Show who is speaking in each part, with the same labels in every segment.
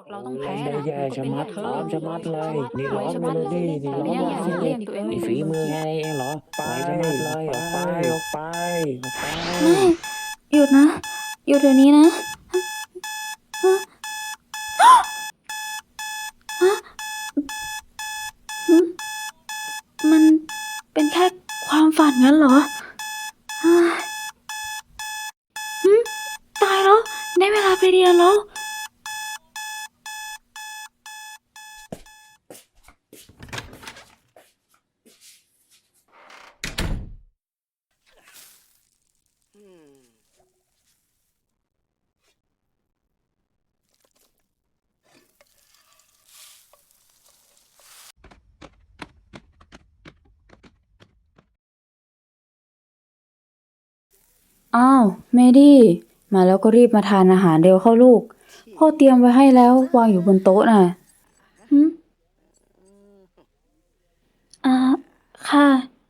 Speaker 1: เราต้อง
Speaker 2: เล่
Speaker 1: แพ้
Speaker 2: นได้
Speaker 1: น่ะ
Speaker 2: แย่
Speaker 1: มันก็
Speaker 2: ชะ
Speaker 1: เป็น
Speaker 2: มัด
Speaker 1: เรื่องเธอ
Speaker 2: ซ้อมชะมัดเลยนี่
Speaker 1: สวย
Speaker 2: ร้อง
Speaker 1: ชะมัดเลย
Speaker 2: เมโลดี้นี่ร้อง
Speaker 1: เนี่ย
Speaker 2: อย่าง
Speaker 1: หา
Speaker 2: นี้
Speaker 1: เรื่องตัวเอง
Speaker 2: นี่
Speaker 1: ไม่
Speaker 2: ฝีมือ
Speaker 1: เป็นบางที
Speaker 2: แค่นี้เองเหรอ
Speaker 1: ไป
Speaker 2: สวยชะมัดเลยออกไปออกไปออกไป
Speaker 3: ไม่หยุดนะหยุดเดี๋ยวนี้นะฮะฮะหึมันเป็นแค่ความฝันงั้นเหรอฮะหึตายแล้วได้เวลาไปเรียนแล้วอ้าวเมดี้มาแล้วก็รีบมาทานอาหารเร็วเข้าลูกพ่อเตรียมไว้ให้แล้ววางอยู่บนโต๊ะน่ะหึอ่าค่ะ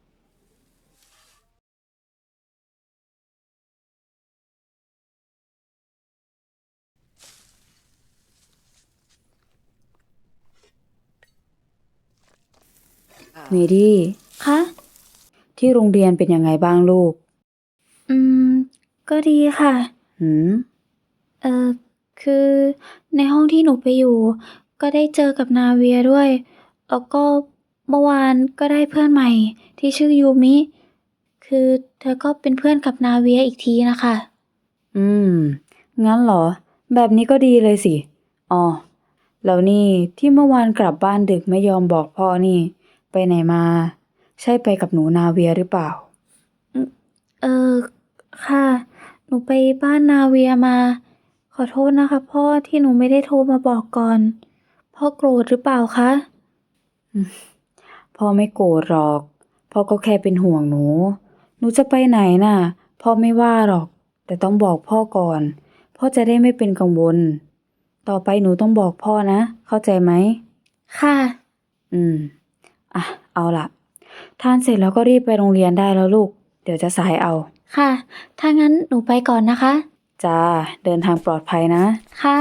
Speaker 3: เมดี้คะที่โรงเรียนเป็นยังไงบ้างลูกอืมก็ดีค่ะหืมคือในห้องที่หนูไปอยู่ก็ได้เจอกับนาเวียด้วยแล้วก็เมื่อวานก็ได้เพื่อนใหม่ที่ชื่อยูมิคือเธอก็เป็นเพื่อนกับนาเวียอีกทีนะคะอืมงั้นเหรอแบบนี้ก็ดีเลยสิอ๋อแล้วนี่ที่เมื่อวานกลับบ้านดึกไม่ยอมบอกพ่อนี่ไปไหนมาใช่ไปกับหนูนาเวียหรือเปล่าอืมเออค่ะหนูไปบ้านนาเวียมาขอโทษนะคะพ่อที่หนูไม่ได้โทรมาบอกก่อนพ่อโกรธหรือเปล่าคะอืมพ่อไม่โกรธหรอกพ่อก็แค่เป็นห่วงหนูหนูจะไปไหนน่ะพ่อไม่ว่าหรอกแต่ต้องบอกพ่อก่อนพ่อจะได้ไม่เป็นกังวลต่อไปหนูต้องบอกพ่อนะเข้าใจไหมค่ะอืมอ่ะเอาล่ะทานเสร็จแล้วก็รีบไปโรงเรียนได้แล้วลูกเดี๋ยวจะสายเอาค่ะถ้างั้นหนูไปก่อนนะคะจ้าเดินทางปลอดภัยนะค่ะ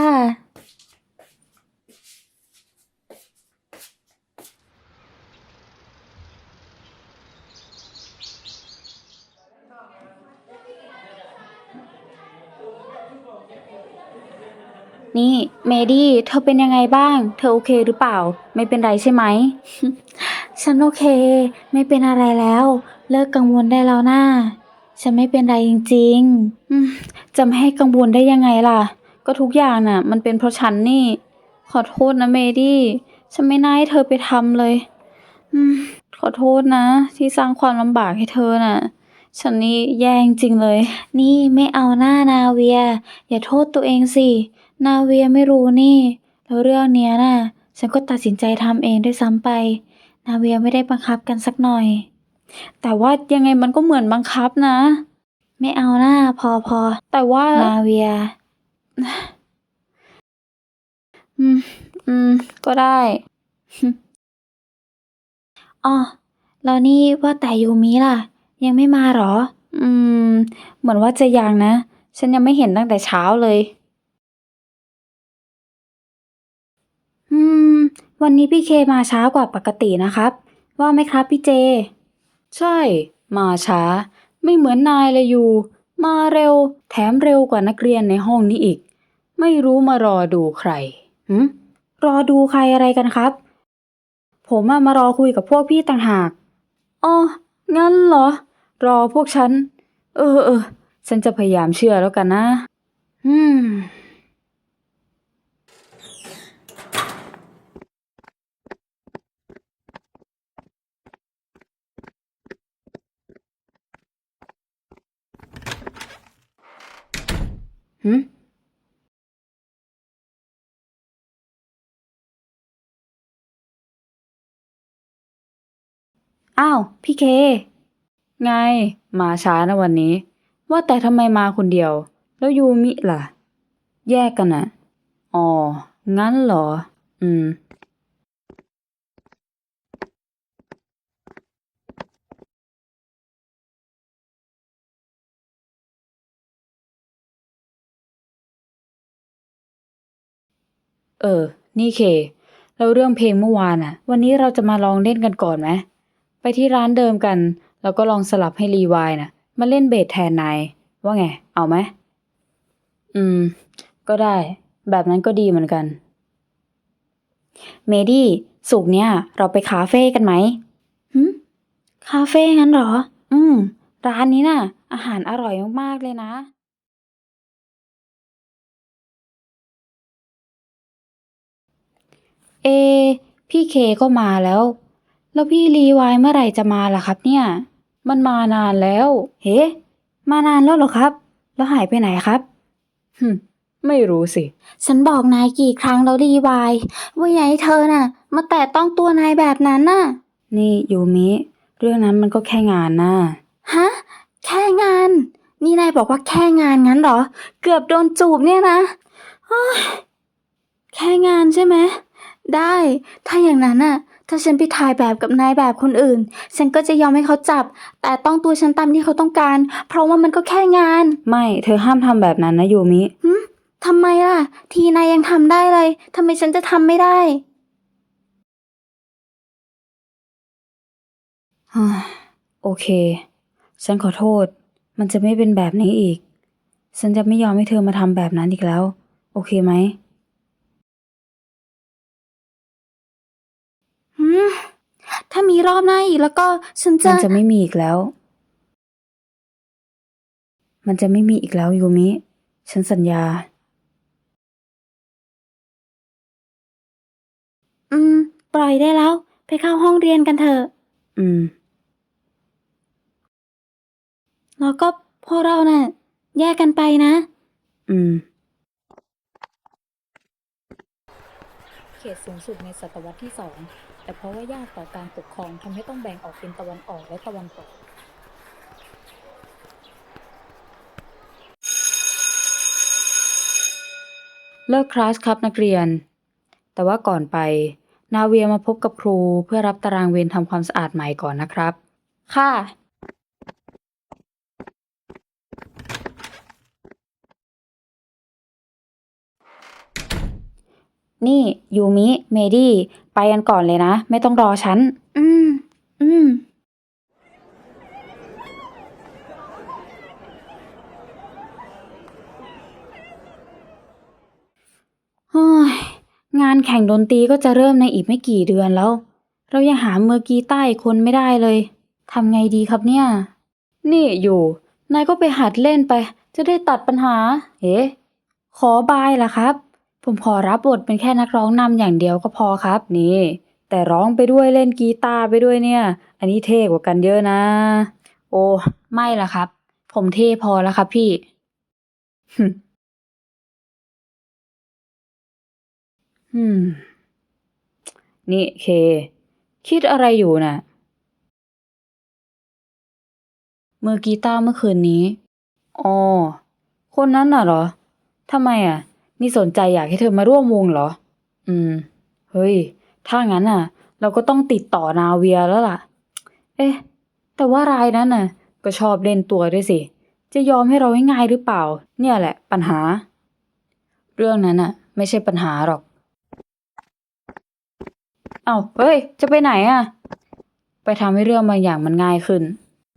Speaker 3: นี่เมดี้เธอเป็นยังไงบ้างเธอโอเคหรือเปล่าไม่เป็นไรใช่ไหม ฉันโอเคไม่เป็นอะไรแล้วเลิกกังวลได้แล้วน่าฉันไม่เป็นไรจริงๆจะไม่ให้กังวลได้ยังไงล่ะก็ทุกอย่างน่ะมันเป็นเพราะฉันนี่ขอโทษนะเมดี้ฉันไม่น่าให้เธอไปทำเลยอืมขอโทษนะที่สร้างความลำบากให้เธอน่ะฉันนี่แย่จริงเลยนี่ไม่เอาหน้านาเวียอย่าโทษตัวเองสินาเวียไม่รู้นี่แล้วเรื่องเนี้ยน่ะฉันก็ตัดสินใจทำเองด้วยซ้ำไป นาเวียไม่ได้บังคับกันสักหน่อย แต่ว่ายังไงมันก็เหมือนบังคับนะ ไม่เอาหน้าพอแต่ว่านาเวียอืมก็ได้อ๋อแล้วนี่ว่าแต่ยูมิล่ะ ยังไม่มาหรอ อืม เหมือนว่าจะยังนะ ฉันยังไม่เห็นตั้งแต่เช้าเลย อืม วันนี้พี่เคมาช้ากว่าปกตินะครับ ว่าไหมครับพี่เจ ใช่ มาช้า ไม่เหมือนนายเลยอยู่ มาเร็ว แถมเร็วกว่านักเรียนในห้องนี้อีก ไม่รู้มารอดูใครรอดูใครอะไรกันครับ ผมมารอคุยกับพวกพี่ต่างหากอ๋องั้นเหรอ รอพวกฉัน เออ ฉันจะพยายามเชื่อแล้วกันนะ อืม หืม อ้าว พี่เค ไง มาช้านะวันนี้ ว่าแต่ทำไมมาคนเดียว แล้วยูมิล่ะ แยกกันอ่ะ อ๋อ งั้นเหรอ อืมนี่เคแล้วเรื่องเพลงเมื่อวานวันนี้เราจะมาลองเล่นกันก่อนไหมไปที่ร้านเดิมกันแล้วก็ลองสลับให้รีวายมาเล่นเบสแทนนายว่าไงเอาไหมก็ได้แบบนั้นก็ดีเหมือนกันเมดี้ศุกร์เนี้ยเราไปคาเฟ่กันไหมคาเฟ่งั้นเหรอร้านนี้อาหารอร่อยมากๆเลยนะเอพี่เคก็มาแล้วพี่รีวายเมื่อไหร่จะมาล่ะครับเนี่ยมันมานานแล้วเฮ้มานานแล้วเหรอครับแล้วหายไปไหนครับไม่รู้สิฉันบอกนายกี่ครั้งแล้วรีวายว่าอย่าให้เธอมาแตะต้องตัวนายแบบนั้นนี่ยูมิเรื่องนั้นมันก็แค่งานฮะแค่งานนี่นายบอกว่าแค่งานงั้นเหรอเกือบโดนจูบเนี่ยนะแค่งานใช่ไหมได้ถ้าอย่างนั้นถ้าฉันไปถ่ายแบบกับนายแบบคนอื่นฉันก็จะยอมให้เขาจับแต่ต้องตัวฉันตามที่เขาต้องการเพราะว่ามันก็แค่งานไม่เธอห้ามทำแบบนั้นนะยูมิทำไมล่ะทีนายยังทำได้เลยทำไมฉันจะทำไม่ได้โอเคฉันขอโทษมันจะไม่เป็นแบบนี้อีกฉันจะไม่ยอมให้เธอมาทำแบบนั้นอีกแล้วโอเคไหมถ้ามีรอบหน้าอีกแล้วก็มันจะไม่มีอีกแล้วมันจะไม่มีอีกแล้วยูมิฉันสัญญาปล่อยได้แล้วไปเข้าห้องเรียนกันเถอะแล้วก็พวกเราแยกกันไปนะเขตสูงสุดในศตวรรษที่ 2แต่เพราะว่ายากต่อการปกครองทำให้ต้องแบ่งออกเป็นตะวันออกและตะวันตกเลิกคลาสครับนักเรียนแต่ว่าก่อนไปนาเวียมาพบกับครูเพื่อรับตารางเวรทำความสะอาดใหม่ก่อนนะครับค่ะนี่ยูมิเมดี้ไปกันก่อนเลยนะไม่ต้องรอฉันงานแข่งดนตรีก็จะเริ่มในอีกไม่กี่เดือนแล้วเรายังหามือกีตาร์อีกคนไม่ได้เลยทำไงดีครับเนี่ยนี่อยู่นายก็ไปหัดเล่นไปจะได้ตัดปัญหาขอบายล่ะครับผมขอรับบทเป็นแค่นักร้องนำอย่างเดียวก็พอครับนี่แต่ร้องไปด้วยเล่นกีตาร์ไปด้วยเนี่ยอันนี้เท่กว่ากันเยอะนะโอ้ไม่ล่ะครับผมเท่พอแล้วครับพี่นี่เคคิดอะไรอยู่น่ะมือกีตาร์เมื่อคืนนี้อ๋อคนนั้นน่ะเหรอทำไมนี่สนใจอยากให้เธอมาร่วมวงเหรอเฮ้ยถ้างั้นเราก็ต้องติดต่อนาเวียแล้วล่ะเอ๊ะแต่ว่ารายนั้นก็ชอบเล่นตัวด้วยสิจะยอมให้เราง่ายๆหรือเปล่าเนี่ยแหละปัญหาเรื่องนั้นไม่ใช่ปัญหาหรอกเอ้าเฮ้ยจะไปไหนไปทำให้เรื่องบางอย่างมันง่ายขึ้น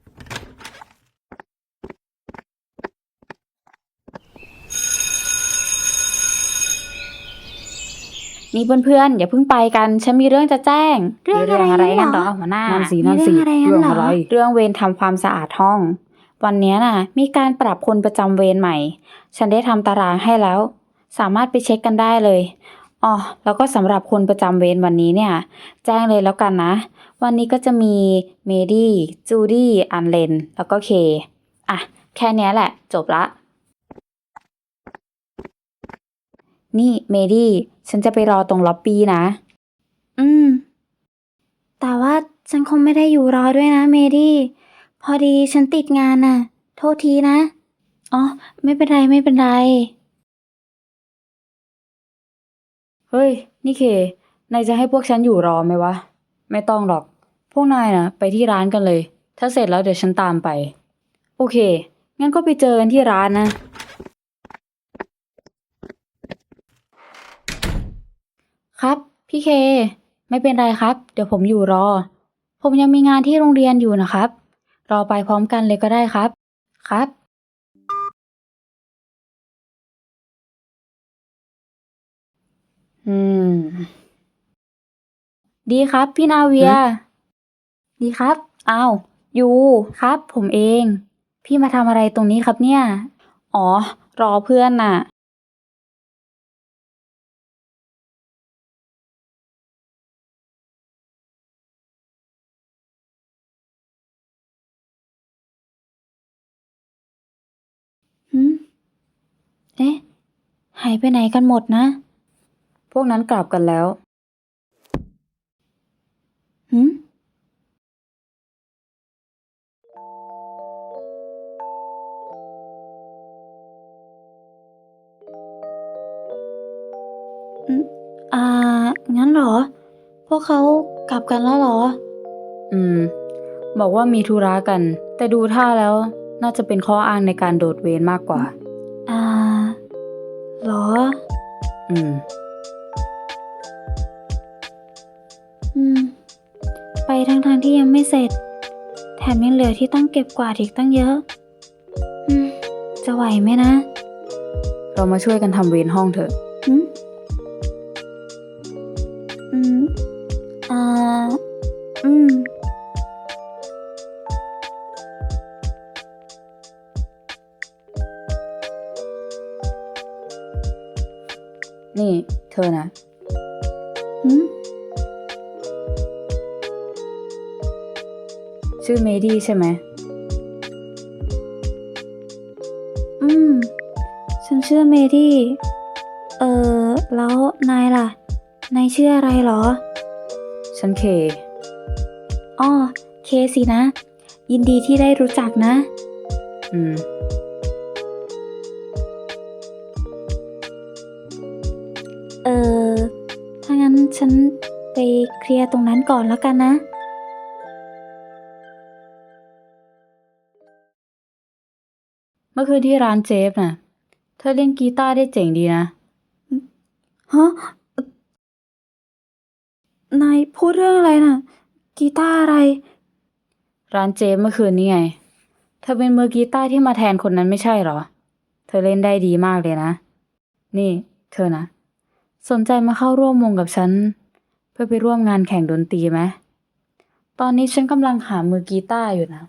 Speaker 3: นี่เพื่อนๆอย่าเพิ่งไปกันฉันมีเรื่องจะแจ้งเรื่องอะไรกันเหรอหัวหน้านั่นสิเรื่องอะไรเรื่องเวรทำความสะอาดห้องวันนี้มีการปรับคนประจำเวรใหม่ฉันได้ทำตารางให้แล้วสามารถไปเช็คกันได้เลยอ๋อแล้วก็สำหรับคนประจำเวรวันนี้เนี่ยแจ้งเลยแล้วกันนะวันนี้ก็จะมีเมดี้จูดี้อันเลนแล้วก็เคแค่นี้แหละจบละนี่เมดี้ฉันจะไปรอตรงล็อบบี้นะแต่ว่าฉันคงไม่ได้อยู่รอด้วยนะเมดี้พอดีฉันติดงานโทษทีนะอ๋อไม่เป็นไรไม่เป็นไรเฮ้ยนี่เคนายจะให้พวกฉันอยู่รอไหมวะไม่ต้องหรอกพวกนายไปที่ร้านกันเลยถ้าเสร็จแล้วเดี๋ยวฉันตามไปโอเคงั้นก็ไปเจอกันที่ร้านนะครับ พี่เค ไม่เป็นไรครับ เดี๋ยวผมอยู่รอ ผมยังมีงานที่โรงเรียนอยู่นะครับ รอไปพร้อมกันเลยก็ได้ครับ ครับ อืม ดีครับพี่นาเวีย ดีครับ อ้าว อยู่ ครับ ผมเอง พี่มาทำอะไรตรงนี้ครับเนี่ย อ๋อ รอเพื่อนน่ะ หืม เอ๊ะ หายไปไหนกันหมดนะ พวกนั้นกลับกันแล้ว หืม อืม อ่า งั้นเหรอ พวกเขากลับกันแล้วเหรอ บอกว่ามีธุระกัน แต่ดูท่าแล้วน่าจะเป็นข้ออ้างในการโดดเวรมากกว่า อ่า เหรอ อืม ไปทั้งที่ยังไม่เสร็จ แถมยังเหลือที่ต้องเก็บกวาดอีกตั้งเยอะ จะไหวไหมนะ เรามาช่วยกันทำเวรห้องเถอะ อ่า อืม นี่ เธอนะ ชื่อเมดี้ใช่ไหม ฉันชื่อเมดี้ แล้วนายล่ะ นายชื่ออะไรเหรอ ฉันเค อ้อ เคสินะ ยินดีที่ได้รู้จักนะ ถ้างั้นฉันไปเคลียร์ตรงนั้นก่อนแล้วกันนะ เมื่อคืนที่ร้านเจฟน่ะ เธอเล่นกีตาร์ได้เจ๋งดีนะ ฮะ นายพูดเรื่องอะไรน่ะ กีตาร์อะไร ร้านเจฟเมื่อคืนนี้ไง เธอเป็นมือกีตาร์ที่มาแทนคนนั้นไม่ใช่เหรอ เธอเล่นได้ดีมากเลยนะ นี่ เธอนะ สนใจมาเข้าร่วมวงกับฉัน เพื่อไปร่วมงานแข่งดนตรีไหม ตอนนี้ฉันกำลังหามือกีตาร์อยู่นะ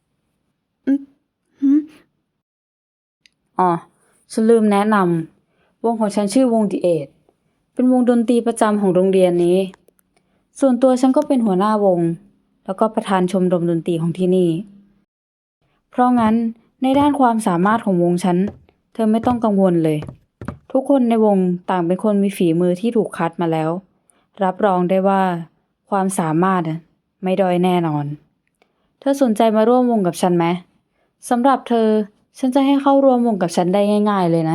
Speaker 3: อ๋อ ฉันลืมแนะนำ วงของฉันชื่อวง The Eight เป็นวงดนตรีประจำของโรงเรียนนี้ ส่วนตัวฉันก็เป็นหัวหน้าวง แล้วก็ประธานชมรมดนตรีของที่นี่ เพราะงั้นในด้านความสามารถของวงฉัน เธอไม่ต้องกังวลเลย ทุกคนในวงต่างเป็นคนมีฝีมือที่ถูกคัดมาแล้ว รับรองได้ว่าความสามารถไม่ด้อยแน่นอน เธอสนใจมาร่วมวงกับฉันไหม สำหรับเธอ ฉันจะให้เข้าร่วมวงกับฉันได้ง่ายๆเลยนะ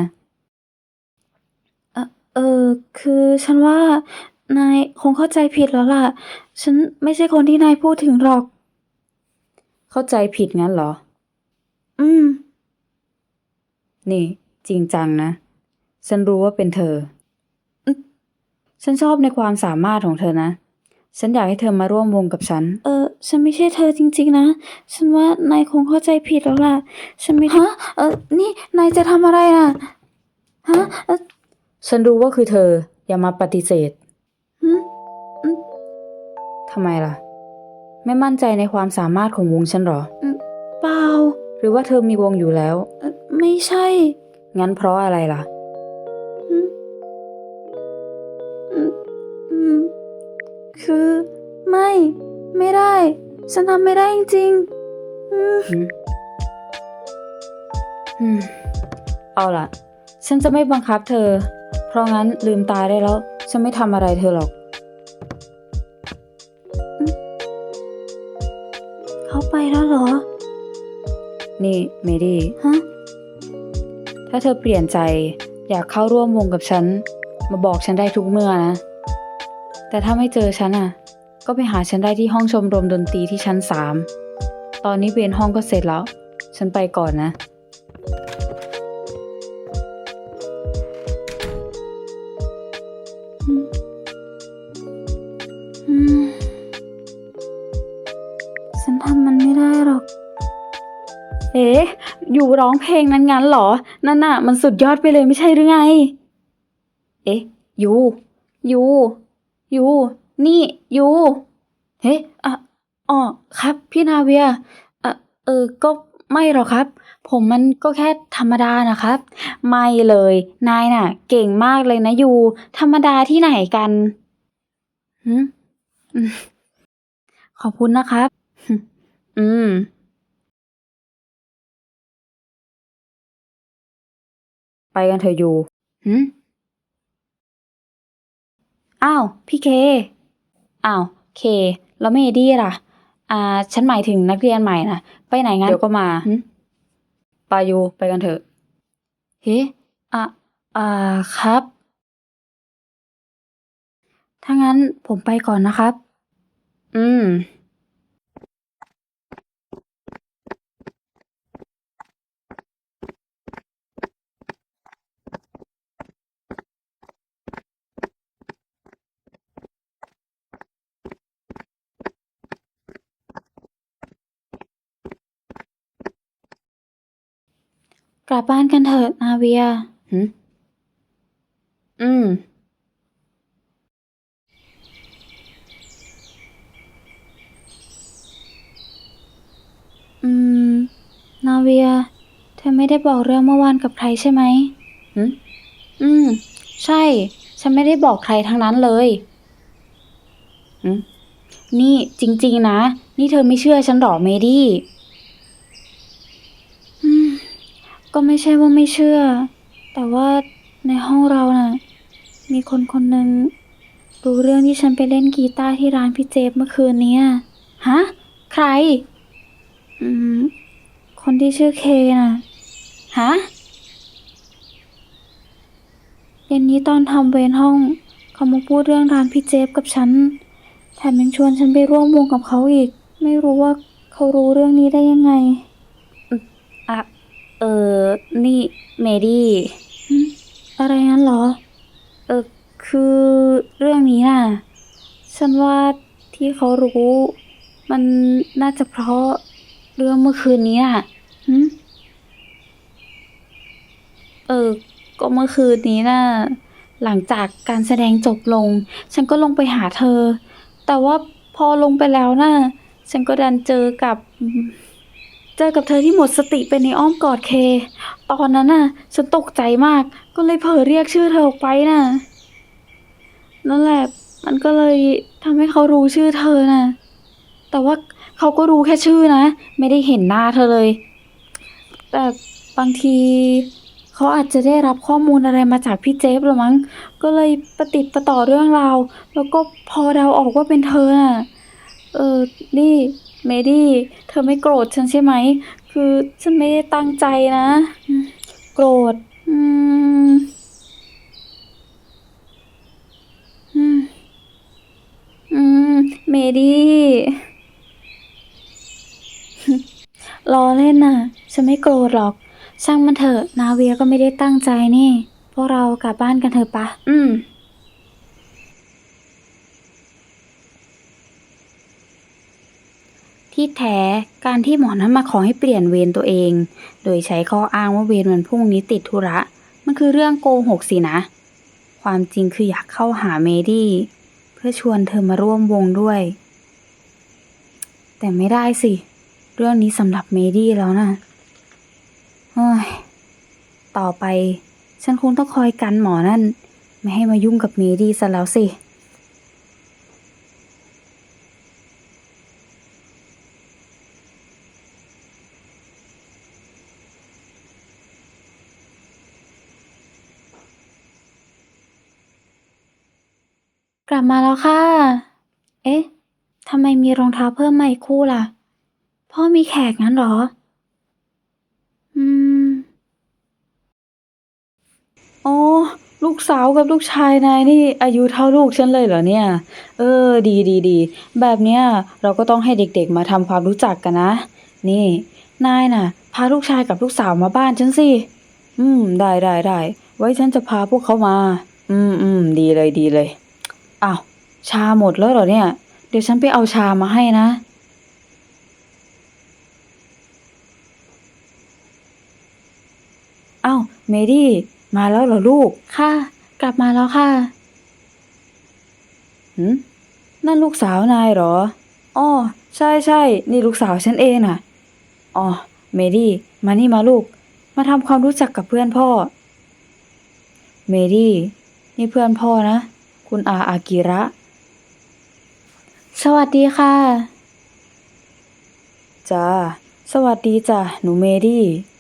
Speaker 3: คือฉันว่านายคงเข้าใจผิดแล้วล่ะ ฉันไม่ใช่คนที่นายพูดถึงหรอก เข้าใจผิดงั้นเหรอ นี่ จริงจังนะ ฉันรู้ว่าเป็นเธอ ฉันชอบในความสามารถของเธอนะ ฉันอยากให้เธอมาร่วมวงกับฉัน ฉันไม่ใช่เธอจริงๆนะ ฉันว่านายคงเข้าใจผิดแล้วล่ะ ฉันไม่ฮะ นี่นายจะทำอะไรอ่ะ ฮะ ฉันรู้ว่าคือเธอ อย่ามาปฏิเสธ ทำไมล่ะ ไม่มั่นใจในความสามารถของวงฉันหรอ เปล่า หรือว่าเธอมีวงอยู่แล้ว ไม่ใช่ งั้นเพราะอะไรล่ะ คือไม่ได้ ฉันทำไม่ได้จริงๆเอาล่ะ ฉันจะไม่บังคับเธอ เพราะงั้นลืมตาได้แล้ว ฉันไม่ทำอะไรเธอหรอก เขาไปแล้วเหรอ นี่เมดี้ ฮะ ถ้าเธอเปลี่ยนใจอยากเข้าร่วมวงกับฉัน มาบอกฉันได้ทุกเมื่อนะ แต่ถ้าไม่เจอฉันก็ไปหาฉันได้ที่ห้องชมรมดนตรีที่ชั้น 3 ตอนนี้เวรห้องก็เสร็จแล้ว ฉันไปก่อนนะเอ๊ะอยู่ร้องเพลงนั้นงั้นเหรอ นั่นน่ะมันสุดยอดไปเลยไม่ใช่หรือไง เอ๊ะยูยูยูนี่ยูเฮ้อ่ะอ๋อครับพี่นาเวียก็ไม่หรอกครับ ผมมันก็แค่ธรรมดานะครับ ไม่เลย นายน่ะ เก่งมากเลยนะยูธรรมดาที่ไหนกันหืมอืมขอบคุณนะครับ อืม ไปกันเถอะยูหืมอ้าว พี่เค อ้าว เค แล้วเมดี้ล่ะ ฉันหมายถึงนักเรียนใหม่น่ะ ไปไหนงั้น เดี๋ยวก็มาปายูไปกันเถอะเฮ้อ่ะครับ ถ้างั้นผมไปก่อนนะครับ อืม กลับบ้านกันเถอะนาเวียหืมอืม อืม นาเวีย เธอไม่ได้บอกเรื่องเมื่อวานกับใครใช่ไหมหืมอืม ใช่ ฉันไม่ได้บอกใครทั้งนั้นเลยหืมนี่จริงๆนะ นี่เธอไม่เชื่อฉันหรอเมดี้อืม ก็ไม่ใช่ว่าไม่เชื่อ แต่ว่าในห้องเราน่ะ มีคนคนหนึ่งรู้เรื่องที่ฉันไปเล่นกีตาร์ที่ร้านพี่เจฟเมื่อคืนนี้อะฮะ ใคร อืม คนที่ชื่อเคน่ะ ฮะ เย็นนี้ตอนทำเวรห้อง เขามาพูดเรื่องร้านพี่เจฟกับฉัน แถมยังชวนฉันไปร่วมวงกับเขาอีก ไม่รู้ว่าเขารู้เรื่องนี้ได้ยังไงอะเออ นี่เมดี้อะไรงั้นเหรอ เออ คือเรื่องนี้น่ะ ฉันว่าที่เขารู้ มันน่าจะเพราะเรื่องเมื่อคืนนี้น่ะหึเออ ก็เมื่อคืนนี้น่ะ หลังจากการแสดงจบลง ฉันก็ลงไปหาเธอ แต่ว่าพอลงไปแล้วน่ะ ฉันก็ดันเจอกับเธอที่หมดสติไปในอ้อมกอดเค ตอนนั้นน่ะ ฉันตกใจมาก ก็เลยเผลอเรียกชื่อเธอออกไปน่ะ นั่นแหละ มันก็เลยทำให้เขารู้ชื่อเธอน่ะ แต่ว่าเขาก็รู้แค่ชื่อนะ ไม่ได้เห็นหน้าเธอเลย แต่บางทีเขาอาจจะได้รับข้อมูลอะไรมาจากพี่เจฟหรือมั้ง ก็เลยประติดประต่อเรื่องราว แล้วก็พอเดาออกว่าเป็นเธอน่ะ นี่เมดี้เธอไม่โกรธฉันใช่ไหม คือฉันไม่ได้ตั้งใจนะโกรธอืมอืมอืมเมดี้ล้อเล่นน่ะ ฉันไม่โกรธหรอก ช่างมันเถอะนาเวียก็ไม่ได้ตั้งใจนี่ พวกเรากลับบ้านกันเถอะปะที่แท้การที่หมอนั้นมาขอให้เปลี่ยนเวรตัวเอง โดยใช้ข้ออ้างว่าเวรวันพรุ่งนี้ติดธุระ มันคือเรื่องโกหกสินะ ความจริงคืออยากเข้าหาเมดี้เพื่อชวนเธอมาร่วมวงด้วย แต่ไม่ได้สิ เรื่องนี้สำหรับเมดี้แล้วนะเฮ้ยต่อไปฉันคงต้องคอยกันหมอนั่น ไม่ให้มายุ่งกับเมดี้ซะแล้วสิ กลับมาแล้วค่ะ เอ๊ะ ทำไมมีรองเท้าเพิ่มมาอีกคู่ล่ะ พ่อมีแขกงั้นเหรอ อืม อ๋อ ลูกสาวกับลูกชายนายนี่อายุเท่าลูกฉันเลยเหรอเนี่ย ดี แบบเนี้ยเราก็ต้องให้เด็กๆมาทำความรู้จักกันนะ นี่ นายน่ะ พาลูกชายกับลูกสาวมาบ้านฉันสิ ได้ ไว้ฉันจะพาพวกเขามา ดีเลยอ้าวชาหมดแล้วเหรอเนี่ย เดี๋ยวฉันไปเอาชามาให้นะอ้าวเมดี้มาแล้วเหรอลูก ค่ะ กลับมาแล้วค่ะนั่นลูกสาวนายเหรออ้อใช่ใช่นี่ลูกสาวฉันเองน่ะอ๋อเมดี้มานี่มาลูก มาทำความรู้จักกับเพื่อนพ่อ เมดี้นี่เพื่อนพ่อนะ คุณอากิระ สวัสดีค่ะจ้าสวัสดีจ้ะหนูเมดี้